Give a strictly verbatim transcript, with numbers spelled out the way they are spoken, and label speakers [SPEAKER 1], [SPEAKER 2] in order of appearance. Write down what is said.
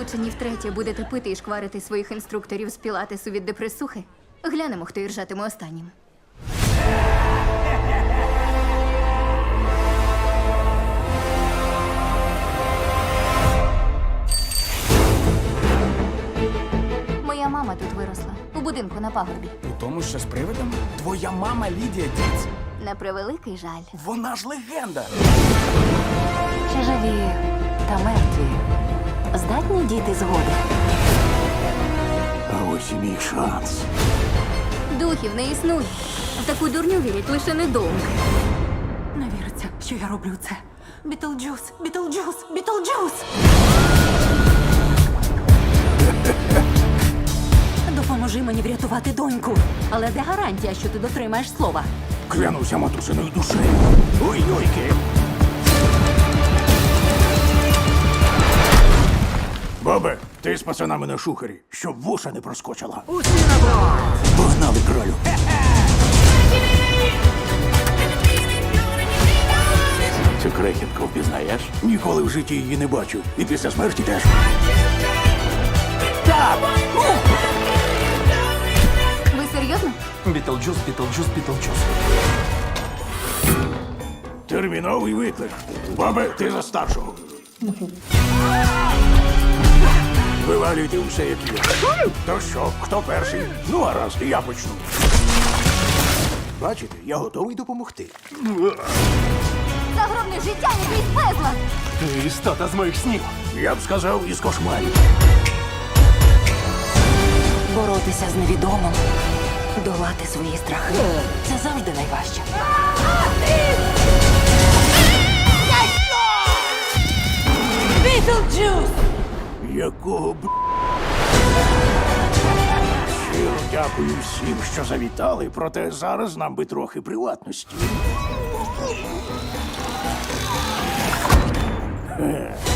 [SPEAKER 1] Присічені втретє будете пити і шкварити своїх інструкторів з пілатесу від депресухи. Глянемо, хто іржатиме останнім. Моя мама тут виросла, у будинку на пагорбі.
[SPEAKER 2] У тому, що з привидом? Твоя мама Лідія Діц.
[SPEAKER 1] На превеликий жаль.
[SPEAKER 2] Вона ж легенда.
[SPEAKER 3] Чи живі та мертві здатні діти згоди?
[SPEAKER 4] А ось і мій шанс.
[SPEAKER 1] Духів не існує. В таку дурню вірять лише недовго.
[SPEAKER 3] Не віриться, що я роблю це. Бітлджус, Бітлджус, Бітлджус! Допоможи мені врятувати доньку. Але де гарантія, що ти дотримаєш слова?
[SPEAKER 4] Клянуся матусиною душею. Ой-йойки. Бабе, ти з пацанами на шухері, щоб вуша не проскочила.
[SPEAKER 5] Усі на брод!
[SPEAKER 4] Погнали, кролю. Цю крехітку впізнаєш? Ніколи в житті її не бачив. І після смерті теж. Так!
[SPEAKER 1] Ви серйозно?
[SPEAKER 2] Бітлджус, Бітлджус, Бітлджус.
[SPEAKER 4] Терміновий виклик. Бабе, ти за старшого. Вивалюйте усе, як є. То що, хто перший? Ну, гаразд, я почну. Бачите, я готовий допомогти.
[SPEAKER 1] Загробне життя якийсь безлад!
[SPEAKER 2] Ти істота з моїх снів.
[SPEAKER 4] Я б сказав, із кошмарів.
[SPEAKER 3] Боротися з невідомим, долати свої страхи. Це завжди найважче. Бітлджус!
[SPEAKER 4] Якого б... Щиро дякую всім, що завітали, проте зараз нам би трохи приватності. Е.